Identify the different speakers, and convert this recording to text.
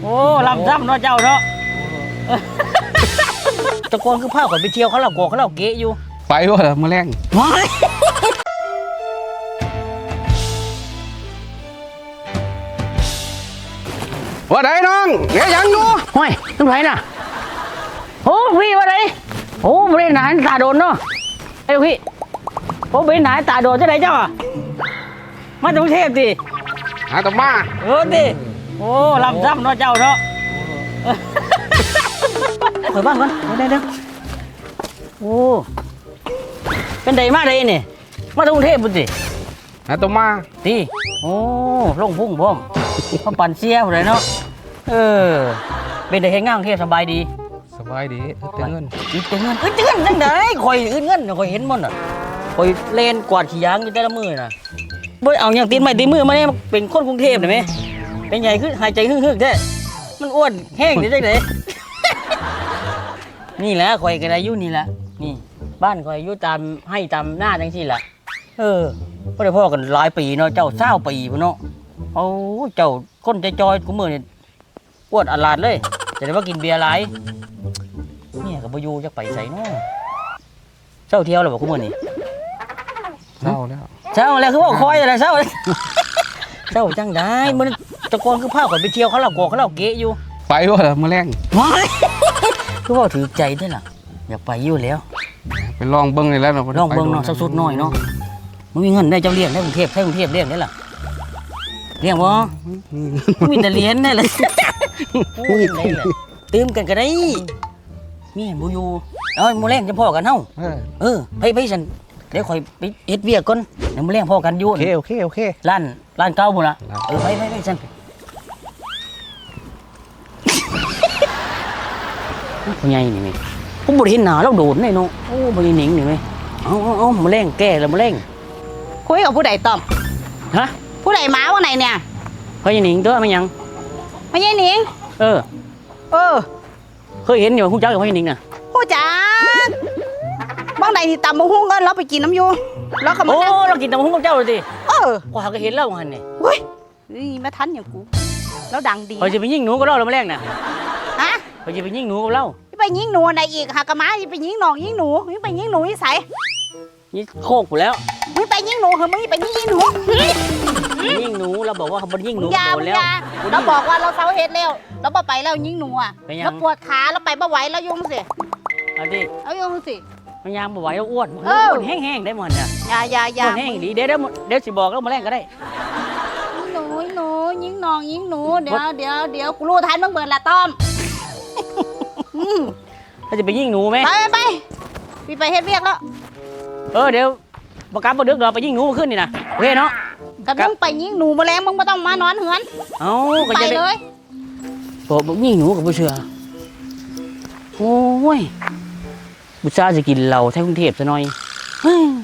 Speaker 1: โอ้ลำซ้ำเนาะเจ้าเนาะตะโกนคือผ้าข่อยไปเที่ยวเขาเล่าโกเขาเล่าเกะอยู่
Speaker 2: ไปวะเหรอมื้อแรงว่าไดน้องเงี้ยยังอยู่
Speaker 1: ห้อยต้องไรน่ะโอ้พี่ว่าไรโอ้ไม่ได้หนาตาโดนเนาะไอ้พี่โอ้ไม่ได้หนาตาโดนจะไหนเจ้าอ่ะมาจากกรุงเทพดิ
Speaker 2: หาต่อมา
Speaker 1: ดิโอ้ลำซ้ำเนาะเจ้าเนาะเปิดบ้านก่อนเดี๋ยวโอ้เป็นไดมาไดนี่มาจากกรุงเทพบุตร
Speaker 2: หาต่อมา
Speaker 1: ดิโอ้ลงพุ่งพร้อมพอปั่นเสียอะไรเนาะเป็นไดเห็นงานกรุงเทพสบายดี
Speaker 2: เตือนเงิน
Speaker 1: จังไดคอยเงินคอยเห็นมันอ่ะคอยเล่นกวาดขี้ยางอยู่แต่ละมือน่ะบ่เอาอย่างตีนไม้ตีมือมาเนี่ยเป็นคนกรุงเทพได้ไหมเป็นใหญ่ขึ้นหายใจฮึ่งๆแท้มันอ้วนแห้งได้จังไดนี่แหละคอยกันอายุนี่แหละนี่บ้านคอยอายุตามให้ตามหน้าจังซี่แหละก็ได้พ่อกันหลายปีเนาะเจ้า20 ปีพุ่นเนาะโอ้เจ้าคนใจจอยกูมือนี่อ้วนอลาดเลยจะได้ว่ากินเบียร์หลายเนี่ยกับบ่อยู่จักไปใส่เนาะเช้าเที่ยวแล้วบ่กูมือนี่
Speaker 2: เช้า
Speaker 1: แล้วคือว่าคอยอะไรเช้าจังได้มันตะโกนคือผ้าข่อยไปเที่ยวเขาเล่าโกเขาเล่าเกะอยู่
Speaker 2: ไปวะเหรอมื้อแรง
Speaker 1: คือว่าถือใจได้ล่ะอยากไปอยู่แล้ว
Speaker 2: ไปลองเบิ้งเลยแล้วเนาะ
Speaker 1: ลองเบิ้งเนาะสักสุดหน่อยเนาะมึงมีเงินได้เจ้าเลี้ยงได้กรุงเทพเลี้ยงได้ล่ะเลี้ยงบ่มีแต่เลี้ยงได้เลยตื่มกันก็ได้นี่บ่อยู่มื้อแรงจะพ่อกันเฮาไปฉันเดี๋ยวคอยไปเฮ็ดเวียกก่อนเดี๋ยวมื้อแรงพ่อกันอยู่
Speaker 2: โอเค
Speaker 1: ร้านเก่าพุ่นล่ะไปฉันผู้ใหญ่นี่มั้ยผมบ่ได้เห็นหน้าเราโดดแน่เนาะโอ้บ่ได้หนิงนี่มั้ยเอามื้อแรงแก่แล้วมื้อแรง
Speaker 3: คุยกับผู้ใดตอม
Speaker 1: ฮะ
Speaker 3: ผู้ใดมาว่าไหนเนี่ย
Speaker 1: พ่อใหญ่หนิงตัวมันยัง
Speaker 3: พ่อใหญ่หนิง
Speaker 1: เคยเห็นอยู่ฮู้จักกับพ่อใหญ่หนิงน่ะ
Speaker 3: ฮู้จักบ้างใดที่ตำบักหุ่งกันเราไปกินน้ำอยู่แล้วก็มา
Speaker 1: เรากินตำบักหุ่งกับเจ้าเลยสิกว่าก็เห็นแล้วหั่นนี่
Speaker 3: เฮ้ยนี่มาทันอย่างกูแล้วดังดี
Speaker 1: เขาจะไปยิงหนูกับเราแล้วมื้อแรงน่ะ
Speaker 3: ฮะ
Speaker 1: เขาจะไปยิงหนูกับเรา
Speaker 3: ไปยิงหนูอะไรอีกหากะมาไปยิงน้องยิงหนูไปยิงหนูที่ไส
Speaker 1: นี่โคกกูแล้ว
Speaker 3: มึงไปยิงหนูเหรอมึงไปยิงหนู
Speaker 1: ยิงหนูเราบอกว่าเขาบ่ยิงหนู
Speaker 3: โดนแล้วเราบอกว่าเราเซาเฮ็ดแล้วเราบ่ไปแล้วยิงหนูอ่ะเราปวดขาเราไปบ่ไหวแล้วยุ่งสิเอายุ่งสิ
Speaker 1: มันยางบ่ไหวแล้วอ้วนแห้งๆได้หมดเนี่ย
Speaker 3: อย่า
Speaker 1: แห้งดีเดี๋ยวสิบอกแล้วมื้อแรงก็ได้
Speaker 3: หนูยิงน้องยิงหนูเดี๋ยวกูรู้ทันมึงเบิดละต้อม
Speaker 1: ถ้าจะไปยิงหนูไหม
Speaker 3: ไปเฮ็ดเวียกแล้ว
Speaker 1: เดี๋ยวประกันบ่ดึกเราไปยิงหนูขึ้นนี่นะโอเคเนาะ
Speaker 3: ก็มึงไปยิงหนูมาแล้วมึงไม่ต้องมานอนเหือน
Speaker 1: ก็
Speaker 3: ไปเลย
Speaker 1: บอกยิงหนูกับผู้เชื่อโอ้ยบุษราจะกินเหล้าแถวกรุงเทพซะหน่อย